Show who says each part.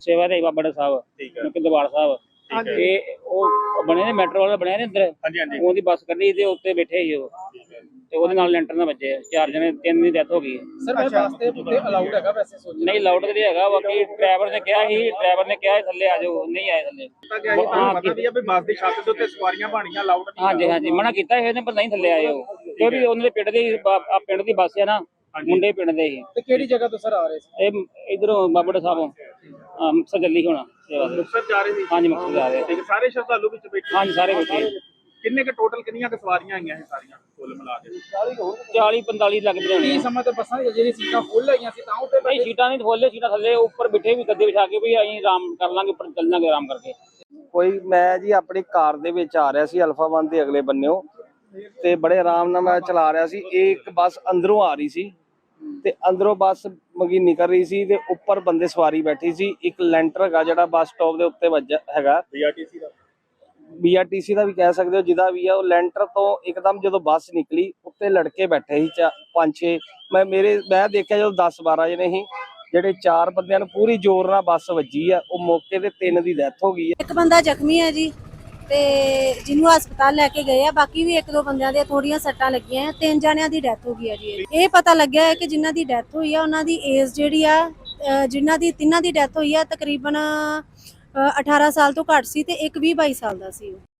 Speaker 1: सेवादारी बाबा साहब
Speaker 2: ठीक है
Speaker 1: दरबार साहब
Speaker 2: ठीक है
Speaker 1: ते ਉਹ ਬਣੇ ਨੇ ਮੈਟਰੋ ਵਾਲਾ ਬਣਿਆ ਨੇ ਅੰਦਰ
Speaker 2: हाँ जी हाँ जी
Speaker 1: ਉਹਦੀ ਬੱਸ ਕੱਢੀ ਤੇ ਉੱਤੇ ਬੈਠੇ ਸੀ ਉਹ ਤੇ ਉਹਦੇ ਨਾਲ ਲੈਂਟਰ ਨਾਲ ਵੱਜੇ 4 ਜਣੇ 3 ਦੀ ਡੈਥ ਹੋ ਗਈ
Speaker 3: ਸਰ ਮੈਂ ਵਾਸਤੇ ਉੱਤੇ ਅਲਾਉਡ ਹੈਗਾ ਵੈਸੇ ਸੋਚ
Speaker 1: ਨਹੀਂ ਲਾਊਡ ਕਿਤੇ ਹੈਗਾ ਬਾਕੀ ਡਰਾਈਵਰ ਨੇ ਕਿਹਾ ਸੀ ਥੱਲੇ ਆ ਜਾਓ ਨਹੀਂ ਆਏ ਥੱਲੇ
Speaker 2: पता क्या जी ਤੁਹਾਨੂੰ ਪਤਾ ਵੀ ਆ ਵੀ ਬੱਸ ਦੀ ਛੱਤ ਦੇ ਉੱਤੇ ਸਵਾਰੀਆਂ ਬਾਣੀਆਂ ਲਾਊਡ ਨਹੀਂ
Speaker 1: ਹਾਂਜੀ ਹਾਂਜੀ ਮਨਾ ਕੀਤਾ ਸੀ ਇਹਨੇ ਪਰ ਨਹੀਂ ਥੱਲੇ ਆਏ ਉਹ ਕਿਉਂਕਿ ਉਹਨਾਂ ਦੇ ਪਿੰਡ ਦੀ ਆ ਪਿੰਡ ਦੀ ਬੱਸ ਹੈ ਨਾ ਮੁੰਡੇ ਪਿੰਡ ਦੇ ਸੀ
Speaker 3: ਤੇ ਕਿਹੜੀ ਜਗ੍ਹਾ ਤੋਂ ਸਰ ਆ ਰਹੇ ਸੀ?
Speaker 1: ਇਹ ਇਧਰੋਂ ਬਾਬਾ ਸਾਹਿਬੋਂ ਮੁਕਤਸਰ ਜਲਦੀ ਹੋਣਾ ਸੇਵਾ ਦੇ
Speaker 2: ਮੁਕਤਸਰ ਜਾ ਰਹੇ ਸੀ
Speaker 1: ਹਾਂਜੀ ਮੁਕਤਸਰ ਜਾ ਰਹੇ
Speaker 2: ਠੀਕ ਹੈ ਸਾਰੇ ਸ਼ਰਧਾਲੂ ਵਿੱਚ ਬੈਠੇ
Speaker 1: ਹਾਂਜੀ ਸਾਰੇ ਬੱਚੇ
Speaker 2: ਕਿੰਨੇ ਕ ਟੋਟਲ ਕਿੰਨੀਆਂ ਕ ਸਵਾਰੀਆਂ ਆਈਆਂ ਇਹ ਸਾਰੀਆਂ ਕੁੱਲ ਮਿਲਾ ਕੇ
Speaker 1: 40 45 ਲੱਗ
Speaker 3: ਕੀ
Speaker 1: ਬਣਾਉਣੀ
Speaker 3: ਸਮਾਂ ਤੇ ਬੱਸਾਂ ਜਿਹੜੀ ਸੀਟਾਂ ਫੁੱਲ ਹੈਗੀਆਂ ਸੀ ਤਾਂ ਉੱਤੇ
Speaker 1: ਨਹੀਂ ਸੀਟਾਂ ਨਹੀਂ ਖੋਲੇ ਸੀਟਾਂ ਥੱਲੇ ਉੱਪਰ ਬਿਠੇ ਵੀ ਗੱਦੇ ਵਿਛਾ ਕੇ ਵੀ ਅਸੀਂ ਆਰਾਮ ਕਰ ਲਾਂਗੇ ਉੱਪਰ ਚੱਲ ਜਾਾਂਗੇ ਆਰਾਮ ਕਰਕੇ
Speaker 4: ਕੋਈ ਮੈਂ ਜੀ ਆਪਣੀ ਕਾਰ ਦੇ ਵਿੱਚ ਆ ਰਿਹਾ ਸੀ ਅਲਫਾ 1 ਦੇ ਅਗਲੇ ਬੰਨਿਓ ਤੇ ਬੜੇ ਆਰਾਮ ਨਾਲ ਮੈਂ ਚਲਾ ਰਿਹਾ ਸੀ। ਇਹ ਇੱਕ ਬੱਸ ਅੰਦਰੋਂ ਆ ਰਹੀ ਸੀ ਤੇ ਅੰਦਰੋਂ ਬੱਸ ਮਗੀ ਨਿਕਲ ਰਹੀ ਸੀ ਤੇ ਉੱਪਰ ਬੰਦੇ ਸਵਾਰੀ ਬੈਠੀ ਸੀ। ਇੱਕ ਲੈਂਟਰ ਹੈਗਾ ਜਿਹੜਾ ਬੱਸ ਸਟਾਪ ਦੇ ਉੱਤੇ ਵੱਜਾ ਹੈਗਾ BRTC ਦਾ ਵੀ ਕਹਿ ਸਕਦੇ ਹੋ ਜਿਹਦਾ ਵੀ ਆ। ਉਹ ਲੈਂਟਰ ਤੋਂ ਇੱਕਦਮ ਜਦੋਂ ਬੱਸ ਨਿਕਲੀ ਉੱਤੇ ਲੜਕੇ ਬੈਠੇ ਸੀ 5-6 ਮੈਂ ਦੇਖਿਆ ਜਦੋਂ 10-12 ਜਣੇ ਸੀ ਜਿਹੜੇ 4 ਬੰਦਿਆਂ ਨੂੰ ਪੂਰੀ ਜ਼ੋਰ ਨਾਲ ਬੱਸ ਵੱਜੀ ਆ। ਉਹ ਮੌਕੇ ਤੇ 3 ਦੀ ਡੈਥ ਹੋ ਗਈ ਹੈ।
Speaker 5: ਇੱਕ ਬੰਦਾ ਜ਼ਖਮੀ ਹੈ ਜੀ ਤੇ ਜਿਹਨੂੰ ਹਸਪਤਾਲ ਲੈ ਕੇ ਗਏ ਆ। ਬਾਕੀ ਵੀ 1-2 ਬੰਦਿਆਂ ਦੇ ਥੋੜੀਆਂ ਸੱਟਾਂ ਲੱਗੀਆਂ ਆ। 3 ਜਣਿਆਂ ਦੀ ਡੈਥ ਹੋ ਗਈ ਹੈ ਜੀ। ਇਹ ਪਤਾ ਲੱਗਿਆ ਹੈ ਕਿ ਜਿਨ੍ਹਾਂ ਦੀ ਡੈਥ ਹੋਈ ਆ ਉਹਨਾਂ ਦੀ ਏਜ ਜਿਹੜੀ ਆ ਜਿਨ੍ਹਾਂ ਦੀ ਤਿੰਨਾਂ ਦੀ ਡੈਥ ਹੋਈ ਆ ਤਕਰੀਬਨ 18 ਸਾਲ ਤੋਂ ਘੱਟ ਸੀ ਤੇ ਇੱਕ 20-22 ਸਾਲ ਦਾ ਸੀ।